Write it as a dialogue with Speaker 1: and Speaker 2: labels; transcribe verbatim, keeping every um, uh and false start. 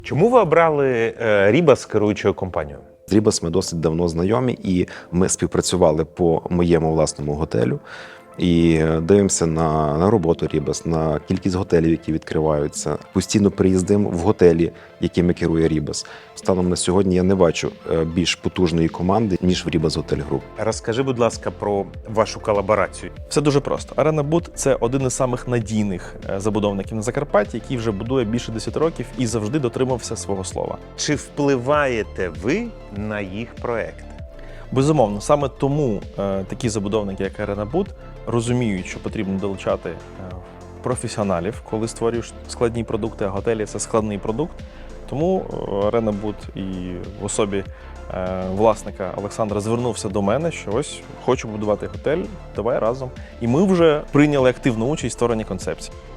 Speaker 1: Чому ви обрали Рібас керуючою компанією?
Speaker 2: З Рібас ми досить давно знайомі, і ми співпрацювали по моєму власному готелю. І дивимося на, на роботу Рібас, на кількість готелів, які відкриваються. Постійно приїздимо в готелі, якими керує Рібас. Станом на сьогодні я не бачу більш потужної команди, ніж в Рібас Готель Груп.
Speaker 1: Розкажи, будь ласка, про вашу колаборацію.
Speaker 3: Все дуже просто. Арена Буд – це один із самих надійних забудовників на Закарпатті, який вже будує більше десяти років і завжди дотримався свого слова.
Speaker 1: Чи впливаєте ви на їх проекти?
Speaker 3: Безумовно, саме тому е, такі забудовники, як Арена Буд, розуміють, що потрібно долучати е, професіоналів, коли створюєш складні продукти, а готелі – це складний продукт. Тому Арена Буд і в особі е, власника Олександра звернувся до мене, що ось хочу будувати готель, давай разом. І ми вже прийняли активну участь в створенні концепції.